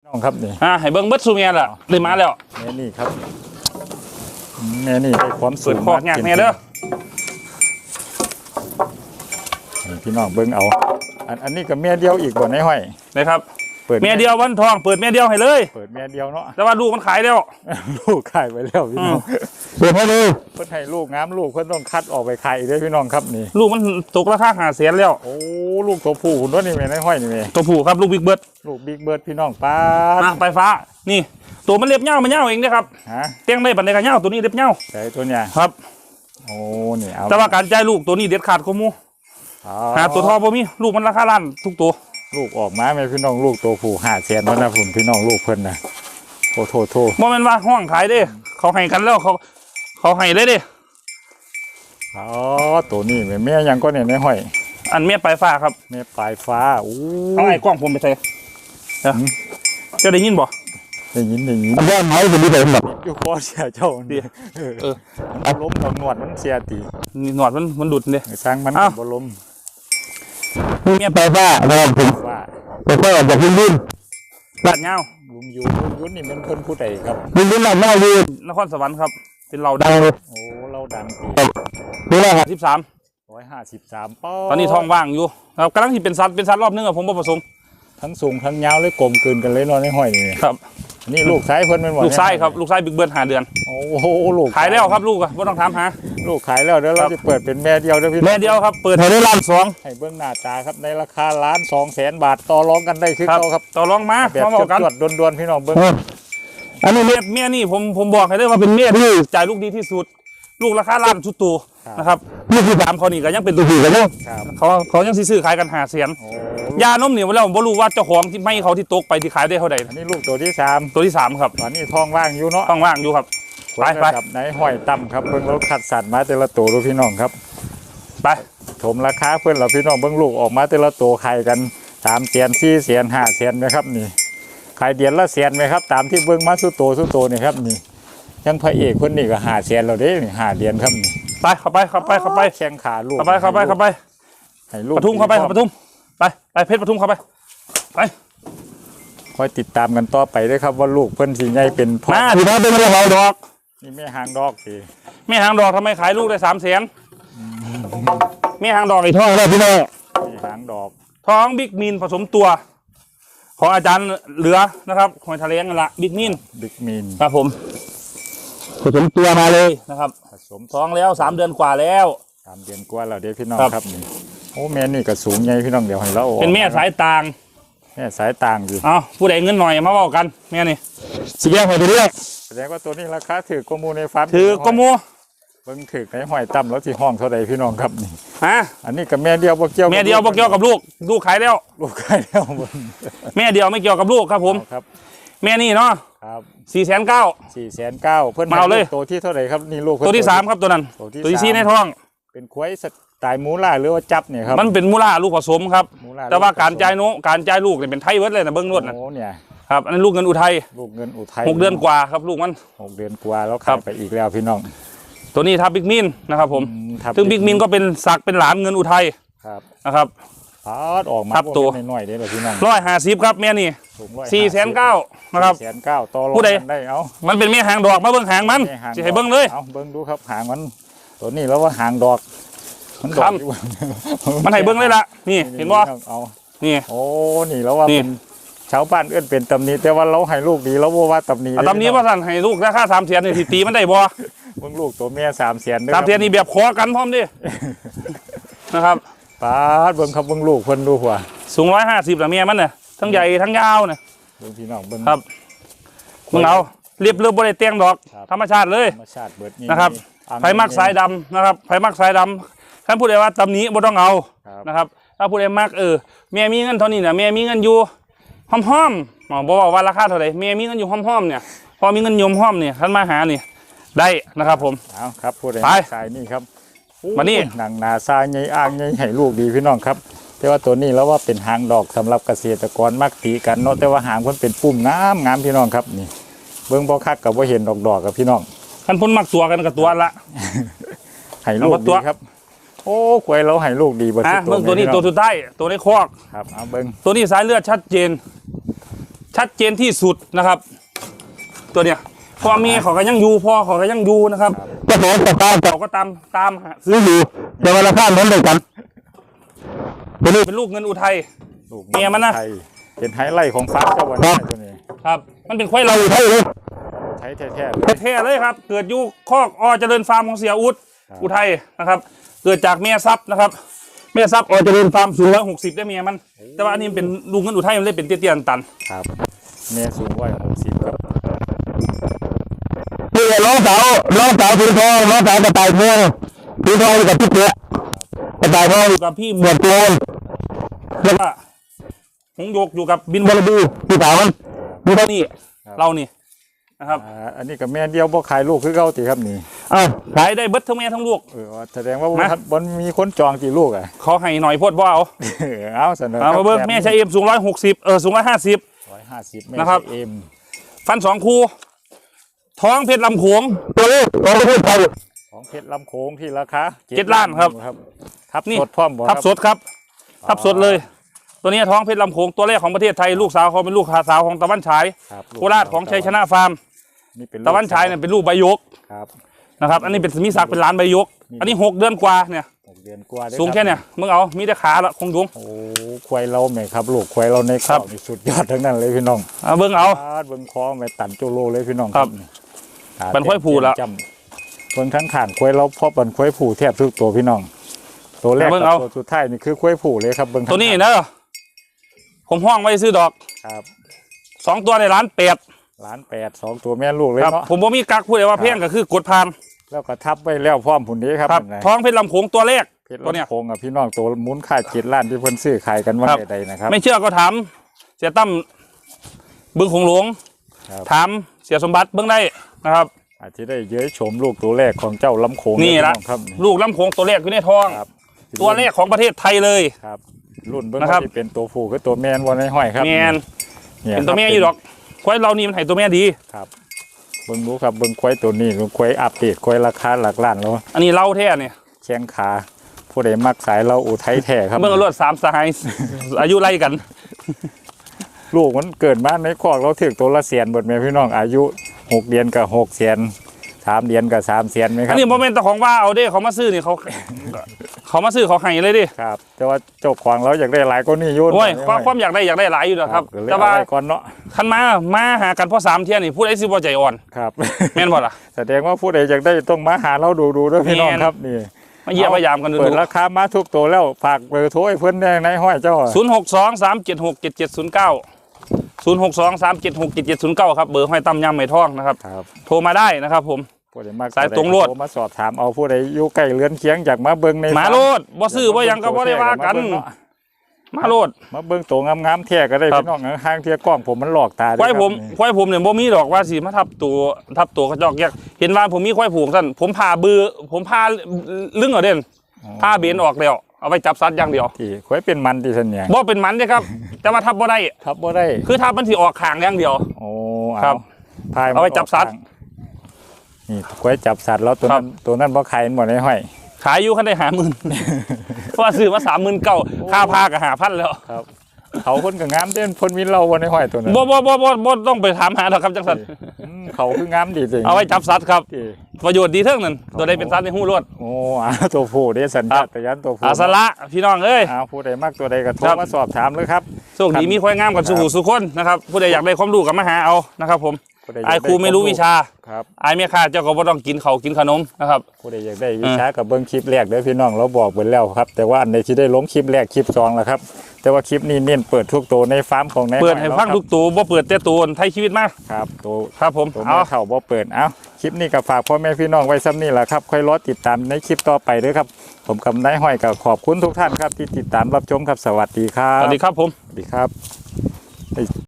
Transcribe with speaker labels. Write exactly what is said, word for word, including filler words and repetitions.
Speaker 1: น้องครับนี่
Speaker 2: อ่าให้เบิ้งเบิดซูเมียล่ะเลยมาแล้ว
Speaker 1: แม่นี่ครับแม่นี่ให้ความสูง
Speaker 2: เปิดคอกยากแม่เด้อ
Speaker 1: พี่น้องเบิ้งเอาอันอันนี้กับแม่เดียวอีกบ่ในห้อย
Speaker 2: นะครับเมียเดียววันทองเปิดเมียเดียวให้เลย
Speaker 1: เปิดแม่เดียวเนาะ
Speaker 2: แต่ว่าลูกมันขายแล้ว
Speaker 1: ลูกขายไปแล้วพี่น้อง
Speaker 2: เปิดให้เลย
Speaker 1: เพิ่นให้ลูกงามลูกเพิ่นต้องคัดออกไปขายอีกด้วยพี่น้องครับนี่
Speaker 2: ลูกมันตกราคาห้าแสนแล้ว
Speaker 1: โอ้ลูกตัวผู้หุ่นด้วยนี่แม่ในห้อยนี่แม่
Speaker 2: ตัวผู้ครับลูกบิ๊กเบิร์ด
Speaker 1: ลูกบิ๊กเบิร์ดพี่น้องป้า
Speaker 2: มาไปฟ้านี่ตัวมันเล็บเง่ามันเง่าเองนะครับ
Speaker 1: ฮะ
Speaker 2: เตี้ยงได้บันไดกันเง่าตัวนี้เล็บเง่า
Speaker 1: ใช่ตัวเนี้ย
Speaker 2: ครับ
Speaker 1: โอ้นี่เอา
Speaker 2: แต่ว่าการใจลูกตัวนี้เด็ดขาดกว่ามูหาตัวทอบ่มีลูกมันราคาล้านทุกตัว
Speaker 1: ลูกออกมาไหมพี่น้องลูกตัวผู้ห้าแสนแล้วนะผมพี่น้องลูกเพิ่นนะโทษโทษโทษ
Speaker 2: โมเมนต์ว่าห้องขายเด้เขาให้กันแล้วเขาเขาให้เลยเด้
Speaker 1: อ๋อตัวนี้แม่แม่ยังก็เนี่ยในห้อย
Speaker 2: อันแม่ปลายฟ้าครับ
Speaker 1: แม่ปลายฟ้าโอ้
Speaker 2: เอาไอ้กล้องผมไปใส่เจ้าได้ยินบ่
Speaker 1: ได้ยินได้ยิน
Speaker 2: อันนี้ไม้เป็นที่ไหนแบบ
Speaker 1: อยู่คอเสียเจ้าดีเออมันล้มตอนหนวดมันเสียตี
Speaker 2: หนวดมันมันดุดเลย
Speaker 1: สร้างมันบ่ล้ม
Speaker 2: นี่แม่ปลายฟ้านะครับผม
Speaker 1: ว่า
Speaker 2: ปลายฟ้าจากลุงยุ่นลาดเงา
Speaker 1: ลุงยุ่นลุงยุ่นนี่เป็นคนผู้ใดครับ
Speaker 2: ลุงยุ่นลาดเงาอยู่นครสวรรค์ครับเป็นเราดัง
Speaker 1: โอ้เราดังปี
Speaker 2: นี่แหละสิบสาม
Speaker 1: ร้อยห้าสิบสามป้อ
Speaker 2: ตอนนี้ท้องว่างอยู่ครับกำลังที่เป็นซัดเป็นซัดรอบนึงอะผมผสม
Speaker 1: ทั้งสูงทั้งยาวเลยกลมกลืนกันเลยนอนในห้อยนี่
Speaker 2: ครับ
Speaker 1: นี่ลูกชายเพิ่นเป็นหมด
Speaker 2: ลูกชายครับลูกชายบิ๊กเบิร์ดหาเดือน
Speaker 1: โอ้โหลูก
Speaker 2: ขายแล้วครับลูกอะไม่ต้องถามหา
Speaker 1: ลูกขายแล้วเดี๋ยวเราจะเปิดเป็นแม่เดียวเด้อพี่
Speaker 2: แม่เดียวครับเปิดให้ได้ล้านสอง
Speaker 1: ให้เบื้องหน้าตาครับในราคาล้านสองแสนบาทต่อรองกันได้คือเขาครับ
Speaker 2: ต่อรองมา
Speaker 1: แบบจวดๆดวนๆพี่น้องเบื้อง
Speaker 2: อันนี้เมียเมียนี่ผมผมบอกให้ได้ว่าเป็นเมียที่จ่ายลูกดีที่สุดลูกราคาล้านชุดตัวนะครับลูกที่สามเขานี่ก็ยังเป็นตัวผู้กันเนาะเขาเขายังซื้อขายกันหาเสียนยานมเนี่ยวันแล้วผมรู้ว่าเจ้าของที่ไม่เขาที่ตกไปที่ขายได้เท่าไหร่
Speaker 1: อันนี้ลูกตัวที่สาม
Speaker 2: ตัวที่สามครับ
Speaker 1: ตอนนี้ท้องว่างอยู่เนาะ
Speaker 2: ท้องว่างอยู่ครับ
Speaker 1: ไปไปกับไหนห้อยต่ำครับเบิ้งรถขัดสัตว์มาแต่ละตัวดูพี่น้องครับ
Speaker 2: ไป
Speaker 1: ถมราคาเพื่อนเราพี่น้องเบิ้งลูกออกมาแต่ละตัวขายกันสามเสียนสี่เสียนห้าเสียนไหมครับนี่ขายเดือนละเสียนไหมครับตามที่เบิ้งมาสู้โตสู้โตนี่ครับนี่ยังพระเอกคนนี้ก็หาเสียนเราได้หาเดือนครับนี่
Speaker 2: ไปเข้าไปเข้าไปเข้าไป
Speaker 1: แข้งขาลูก
Speaker 2: เข้าไปเข้าไปเข้าไป
Speaker 1: ให้ลูก
Speaker 2: ปทุมเข้าไปปทุมไปไปเพชรปทุมเข้าไปไป
Speaker 1: คอยติดตามกันต่อไปด้วยครับว่าลูกเพิ่นสีใหญ่เป็นพ่อ
Speaker 2: มาถือว่าเป็นแม่หางดอก
Speaker 1: นี่แม่หางดอกสิ
Speaker 2: แม่หางดอกทำไมขายลูกได้สามแสนแม่หางดอกไอ้ท้องแล้วพี่น้อง
Speaker 1: แม่หางดอก
Speaker 2: ท้องบิ๊กมีนผสมตัวของอาจารย์เหลือนะครับหอยทะเลงละบิ๊กมีน
Speaker 1: บิ๊กมีน
Speaker 2: ครับผมผสมตัวมาเลยนะครับผสมท้องแล้วสามเดือนกว่าแล้ว
Speaker 1: สามเดือนกว่าแล้วเดี๋ยวพี่น้องครับนี่โอ้แม่นี่ก็สูงใหญ่พี่น้องเดี๋ยวให้เรา
Speaker 2: เป็นแม่สายต่าง
Speaker 1: แม่สายต่างอยู่
Speaker 2: เอาผู้ใดเงินหน่อยมาบอกกันแม่นี่สีแดงหอยตัวเรียก
Speaker 1: แสดงว่าตัวนี้ราคาถือกมูในฟาร์ม
Speaker 2: ถือกมู
Speaker 1: เบิ่งถือในหอยต่ำแล้วที่ห้องเท่าใดพี่น้องครับนี่
Speaker 2: ฮะ
Speaker 1: อันนี้กับแม่เดียวบ่เกี่ยว
Speaker 2: แม่เดียวบ่เกี่ยวกับลูกลูกขายแล้ว
Speaker 1: ลูกขายแล้ว
Speaker 2: แม่เดียวไม่เกี่ยวกับลูกครับผม
Speaker 1: ครับ
Speaker 2: แม่นี่เนาะ
Speaker 1: ครับ
Speaker 2: สี่แสนเก้า
Speaker 1: สี่แสนเก้าเพิ่น
Speaker 2: มาเลย
Speaker 1: ตัวที่เท่าไหร่ครับนี่ลูก
Speaker 2: ตัวที่สามครับตัวนั้นตัวที่สี่ในท้อง
Speaker 1: เป็นควายสไตล์มูล่าหรือว่าจับเนี่ยครับ
Speaker 2: มันเป็นมูล่าลูกผสมครับแต่ว่าการจ่ายโนการจ่ายลูกเนี่ยเป็นไทยเวิร์ดเลยนะเบิ้งนวดนะ
Speaker 1: โอ้เนี่ย
Speaker 2: ครับอันนี้ลูกเงินอุทัย
Speaker 1: ลูกเงินอุทัย
Speaker 2: หกเดือนกว่าครับลูกมัน
Speaker 1: หกเดือนกว่าแล้วขายไปอีกแล้วพี่น้อง
Speaker 2: ตัวนี้ทับบิ๊กมินนะครับผมซึ่งบิ๊กมินก็เป็นศักเป็นหลานเงินอุทัยนะครับ
Speaker 1: พาดออกมา
Speaker 2: ตัว
Speaker 1: น้อยๆเด้อพี่น้อง
Speaker 2: ร้อยห้าสิบครับแม่นี่สี่แสนเก้านะครับ
Speaker 1: แสนเก้าต่อรองได้เอา
Speaker 2: มันเป็นแม่หางดอกมาเบิ้งหางมันจะให้เบิ้งเลย
Speaker 1: เอาเบิ้งดูครับหางมันตัวนี้แล้วว่าหางดอก
Speaker 2: มันดอกมันให้เบิ้งเลยละนี่เห็นบ่
Speaker 1: เอา
Speaker 2: นี่
Speaker 1: โอ้นี่แล้วว่าเป็นชาวบ้านเอื้อนเป็นตำหนิแต่ว่าเราให้ลูกดีแล้วว่าตำหนิ
Speaker 2: ตำหนิว่าสั่นให้ลูกราคาสามแสนนี่ตีมันได้บ่
Speaker 1: เบิ้งลูกตัวแม่สามแสน
Speaker 2: สามแสนนี่แบบขอกันพร้อมดินะครับ
Speaker 1: ป้าเบิ้งครับเบิ้งลูกคนดูหัว
Speaker 2: สูงร้อยห้าสิบละเมียมันเนี่ยทั้งใหญ่ทั้งยาวเนี่ย
Speaker 1: เบิ้งพี่น้องเบิ้ง
Speaker 2: ครับมึงเอาเรียบเรียบบริเตียงดอกธรรมชาติเลย
Speaker 1: ธรรมชาติเบิด
Speaker 2: นะครับไผ่มักสายดำนะครับไผ่มักสายดำท่านพูดเลยว่าตำนี้บ่ต้องเอานะครับถ้าพูดเลยมักเออเมียมีเงินเท่านี้เนี่ยเมียมีเงินอยู่ห้อมห้อมบอกบอกว่าราคาเท่าไหร่เมียมีเงินอยู่ห้อมห้อมเนี่ยพอมีเงินยมห้อมเนี่ยท่านมาหาเนี่ยได้นะครับผม
Speaker 1: เอาครับพูดเลยสายนี่ครับ
Speaker 2: มานี่
Speaker 1: หนังนาซาใหญ่อ่างใหญ่ให้ลูกดีพี่น้องครับแต่ว่าตัวนี้แล้วว่าเป็นหางดอกสำหรับเกษตรกรมักตีกันเนาะแต่ว่าหางมันเป็นปุ่มงามงามพี่น้องครับนี่เบิ้งบ่คักกับว่าเห็นดอกดอกกับพี่น้อง
Speaker 2: ท่านพ้นมักตัวกันกับตัวละ
Speaker 1: ให้ลูกดีครับโอ้กล้วยเราให้ลูกดีบ่
Speaker 2: ตัวเบิ้งตัวนี้ตัวสุดท้ายตัวในคอก
Speaker 1: ครับเอาเบิ้ง
Speaker 2: ตัวนี้สายเลือดชัดเจนชัดเจนที่สุดนะครับ ตัวเนี้ยพ่อแม่เขาก็ยังอยู่พ่อเขาก็ยังอยู่นะครับเจ้าของตามเขาก็ตามตามหาซื้ออยู่แต่ว่าราคาเหมือนกันตัวนี้เป็นลูกเงินอุทัย
Speaker 1: ลูก
Speaker 2: เมียมันนะ
Speaker 1: ไทยเป็นไฮไลท์ของฟาร์มเจ้าวันนี้ตัวนี้
Speaker 2: ครับ มันเป็นควายเราอุทัยเลย
Speaker 1: ไทยแท้ๆเลย
Speaker 2: แท้ๆเลยครับ เกิดอยู่คอกอเจริญฟาร์มของเสียอุด
Speaker 1: ครับ
Speaker 2: อุทัยนะครับ เกิดจากแม่ซับนะครับแม่ซับอเจริญฟาร์มสูงร้อยหกสิบได้เมียมัน แต่ว่าอันนี้เป็นลูกเงินอุทัยมันเลยเป็นเตี้ยๆตัน
Speaker 1: ครับแม่สูงร้อยหกสิบครับ
Speaker 3: นี่น้องสาวน้องสาวถือทองน้องสาวกระต่ายทองถือทองกับพี่เจ๊กระต่ายทอง
Speaker 2: อยู่กับพี่ห
Speaker 3: ห
Speaker 2: ม
Speaker 3: ม
Speaker 2: ว
Speaker 3: ว
Speaker 2: ด
Speaker 3: ดโกน
Speaker 2: แล้วก็หงโยกอยู่กับบิน
Speaker 3: บอลบีพี่สาวมันมีเท่านี้
Speaker 2: นี่เรานี่นะครับ
Speaker 1: อ่าอันนี้กับแม่เดียวบ่ขายลูกคือเก่าติครับนี่
Speaker 3: อ้าว
Speaker 2: ขายได้เบิดทั้งแม่ทั้งลูก
Speaker 1: เออแสดงว่า
Speaker 2: มา
Speaker 1: บนมีคนจองกี่ลูกอ่ะ
Speaker 2: ขอให้หน่อยโพดว่าเอา
Speaker 1: เออเอาเสนอ
Speaker 2: เอามาเบิ้งแม่ชายเอ็มสูงร้อยหกสิบเออสูงร้อยห้าสิบ
Speaker 1: ร้อยห้าสิบแม่
Speaker 2: นะครับ
Speaker 1: เอ็ม
Speaker 2: ฟันสองคูท้องเพชรลำโขง
Speaker 3: ตัวนี้ของประเทศไทย
Speaker 1: ของเพชรลำโขงที่ราคา
Speaker 2: เจ็ดล้านครับ
Speaker 1: ครับทับ
Speaker 2: นี่
Speaker 1: สดพร้อมบ่
Speaker 2: ทับสดครับ ทับสดเลย ตัวนี้ท้องเพชรลำโขงตัวแรกของประเทศไทยลูกสาวเขาเป็นลูกสาวของตะวันฉาย
Speaker 1: ครับ
Speaker 2: โคราชของชัยชนะฟาร์ม
Speaker 1: นี่เป็น
Speaker 2: ตะวันฉายเนี่ยเป็นลูกใบยก
Speaker 1: ครับ
Speaker 2: นะครับอันนี้เป็นมีศักดิ์เป็นล้านใบยก อันนี้หกเดือนกว่าเนี่ย
Speaker 1: หกเดือนกว่าด้
Speaker 2: สูงแค่เนี่ยมึงเอามีแต่ขาละคงยุง
Speaker 1: โอ้ควายเราแม่ครับลูกควายเราใน
Speaker 2: ครั
Speaker 1: ข้า
Speaker 2: บ
Speaker 1: วนี่สุดยอดทั้งนั้นเลยพี่น้อง
Speaker 2: เอาเบิ้งเอา
Speaker 1: ปาดเบิ่งคอแม่ตันโจโลเลยพี่น้อง
Speaker 2: ครับ
Speaker 1: ขา
Speaker 2: เป็นควายผูละ
Speaker 1: จำคนข้างขานควายเราเพราะเป็นควายผูแทบทุกตัวพี่น้อง ตัวแรก
Speaker 2: เบิ่ง
Speaker 1: กับ
Speaker 2: เอา
Speaker 1: ตัวสุดท้ายนี่คือควายผูเลยครับเบิ่งข้าง
Speaker 2: ตัวนี้เนอะผมห้องไว้ซื้อดอก
Speaker 1: ครับ
Speaker 2: สองตัวในร้านเป็ด
Speaker 1: ล้านแปดสองตัวแม่ลูกเลย
Speaker 2: ครับ
Speaker 1: เนาะ
Speaker 2: ผมบ่มีกักพูดเลยว่า
Speaker 1: ครับ
Speaker 2: เพียงก็คือกดผ่าน
Speaker 1: แล้วก็ทับไว้แล้วพร้อมผุนนี้ครับ
Speaker 2: ครับ
Speaker 1: เห็นไหม
Speaker 2: ท้องเพชรลำโขงตัวแรก
Speaker 1: เพชร
Speaker 2: ตัวเนี้ย
Speaker 1: ลำโพงกับพี่น้องตัวหมุนค่าเจ็ดล้านที่เพิ่นซื้อขายกันว่า
Speaker 2: ครับ
Speaker 1: ใดๆนะครับ
Speaker 2: ไม่เชื่อก็ถามเสียตั้มบึงคงหลวง
Speaker 1: ครับ
Speaker 2: ถามเสียสมบัติเบื้องได้นะครับ
Speaker 1: อาจจะได้เย้ยชมลูกตัวแรกของเจ้าลำโขง
Speaker 2: นี่ละ
Speaker 1: พี่องครับ
Speaker 2: ลูกลำโขงตัวแรกอยู่ในท้อง
Speaker 1: ครับ
Speaker 2: ตัวแรกของประเทศไทยเลย
Speaker 1: ครับ รุ่นเบิ้ง
Speaker 2: นะครับ
Speaker 1: ว่าที่เป็นตัวผู้คือตัวแมนวันในห้อยครับ
Speaker 2: แมน
Speaker 1: ย
Speaker 2: เป็นตัวแม่
Speaker 1: ครับ
Speaker 2: อยู่ดอกควายเรานี่มันให้ตัวแม่ดี
Speaker 1: ครับเบิ้งรู้ครับเบิ้งควายตัวนี้ควายอัปเดตควายราคาหลักล้านแล้ว
Speaker 2: อันนี้เล่าแท้เนี่ย
Speaker 1: แข้งขาผู้ใดมักสายเราอุทัยแท้ครับ
Speaker 2: เบื้องรวดสามสหาย อายุไล่กัน
Speaker 1: ลูกมันเกิดมาในคอกเราถึงตัวละเสียนเบิดแม่พี่น้องอายุหกเดือนกับหกเสียนสามเดือนกับสามเสียนไหมค
Speaker 2: อั
Speaker 1: รั
Speaker 2: น
Speaker 1: บ
Speaker 2: นี้โมเมนต์ของว่าเอาเด้เขามาซื้อนี่เขา เขามาซื้อเขาให้เลยดิ
Speaker 1: ครับ แต่ว่าเจ้าของเราอยากได้หลายก็นี่อยุ่น
Speaker 2: โอ้ยความความอยากได้อยากได้หลายอยู่นะครับ
Speaker 1: ก็เลย
Speaker 2: แต่
Speaker 1: เอา
Speaker 2: ว่า
Speaker 1: ไว้ก่อนเนาะ
Speaker 2: คันมามาหากันเพราะสามเที่ยนี่พูดไอ้สิบ่ใจอ่อน
Speaker 1: ครับ
Speaker 2: แม่นบ่ล่ะ
Speaker 1: แสดงว่าผู้ใดอยากได้ต้องมาหาเราดูดูด้วยพี่น้อง
Speaker 2: แม่น
Speaker 1: ครับนี่
Speaker 2: มาเยี่ยมพยายามกันดู
Speaker 1: เปิดราคามาทุกตัวแล้วฝากเบอร์โทรให้เพื่อนได้ในห้อยเจ้า
Speaker 2: ศูนย์หกสองสามเจ็ดหกเจ็ดเจ็ดศูนย์เก้าศูนย์หกสองสามเจ็ดหกเจ็ดเจ็ดศูนย์เก้าครับเบอร์ห้อยตำยำไหมท่องนะครับ
Speaker 1: ครับ
Speaker 2: โทรมาได้นะครับผม
Speaker 1: ผู้ใดมาก
Speaker 2: สายตรงโลด
Speaker 1: โทมาสอบถามเอาผู้ใดอยู่ใกล้เรือนเคียงอยากมาเบิ่งใน
Speaker 2: หมาโลดบ่ซื้อบ่หยังก็บ่ได้ว่ากัน มาโลด
Speaker 1: มาเบิ่งตัวงามๆแท้ก็ได้
Speaker 2: ครับ
Speaker 1: พี่น้องห้างเทียกล้องผมมันหลอกตา
Speaker 2: ควายผม
Speaker 1: นี่
Speaker 2: ควายผมเนี่ยบ่มีดอกว่าสิมาทับตัวทับตัวกระจอกแยกเห็นว่าผมมีควายผูกสั่นผมพาบือผมพาลึงเอาเด่นพาเบนออกแล้วเอาไปจับสัตว์อย่างเดียว
Speaker 1: ที่ควายเป็นมันที่สัญญา
Speaker 2: บ่เป็นหมันเด้ครับ แต่ว่าทับบ่ได้
Speaker 1: ทับบ่ได้
Speaker 2: คือทับมันสิออกข้างอย่างเดียว
Speaker 1: โอ้
Speaker 2: ครั
Speaker 1: เอา
Speaker 2: บ
Speaker 1: พายมัน
Speaker 2: เอาไว้จับสัตว์
Speaker 1: ออกทางนี่ควายจับสัตว์แล้วตัว
Speaker 2: ครั
Speaker 1: นั้
Speaker 2: บ
Speaker 1: นตัวนั้นบ่ขายหมดในห้อย
Speaker 2: ขายอยู่คันได้หาหมื่น เพราะว่าซื้อมาสามหมื่นเก้าค่าพาก็หาพันแล้ว
Speaker 1: ครับ เขาคนก็งามเด่นพ่นวินเราวันในห้อยตัวนั้น
Speaker 2: บ่บ่บ่บ่บ่ต้องไปถามหาดอกครับจังสัน
Speaker 1: อืมเขาคืองามดีจริง
Speaker 2: เอาไว้จับสัตว์ครับ
Speaker 1: ที่
Speaker 2: ประโยชน์ดีเท่านั้นตัวใดเป็นสัตว์ในหูรวด
Speaker 1: โอ้อาตัวผู้เด้สัญ
Speaker 2: ครั
Speaker 1: ญา
Speaker 2: บ
Speaker 1: ตยันตัวผู้
Speaker 2: อาสละพี่น้องเอ้ย
Speaker 1: อาผู้ใดมากตัวใดก็โทร
Speaker 2: ครับ
Speaker 1: มาสอบถามเลยครับ
Speaker 2: โชคดีมีควายงามกันสุขุสุขคนนะครับผู้ใดอยากได้ความรู้ก็มาหาเอานะครับผม
Speaker 1: ผู้ใดอยาก
Speaker 2: ไอ้ครูไม่รู้วิชา
Speaker 1: ครับ
Speaker 2: ไอ้เมียข้าเจ้าก็บ่ต้องกินเขาวกินขนมนะครับ
Speaker 1: ผู้ใดอยากได้วิชากับเบิ้งคลิปแรกเด้อพี่น้องเราบอกไปแล้วครับ แต่ว่าอันใดที่ได้ลงคลิปแรกคลิปสองแล้วครับ แต่ว่าคลิปนี้เน้นเปิดทุกตัวในฟาร์มของนาย
Speaker 2: เปิดให้
Speaker 1: อย
Speaker 2: ฟัง
Speaker 1: เรา
Speaker 2: ทุกตัวบ่เปิดแต่ตัวไทยชีวิตมาก
Speaker 1: ครับตัว
Speaker 2: ครับผม
Speaker 1: ตัว
Speaker 2: เอา
Speaker 1: แม่เฒ่าบ่เปิดเอาคลิปนี้ก็ฝากพ่อแม่พี่น้องไว้ซ้ำนี่แหละครับค่อยรอติดตามในคลิปต่อไปเด้อครับ ผมกับนายห้อยก็ขอบคุณทุกท่านครับที่ติดตามรับชมครับสวัสดีครั
Speaker 2: ส
Speaker 1: บ
Speaker 2: วัสดีครับผม
Speaker 1: สวัสดีครับ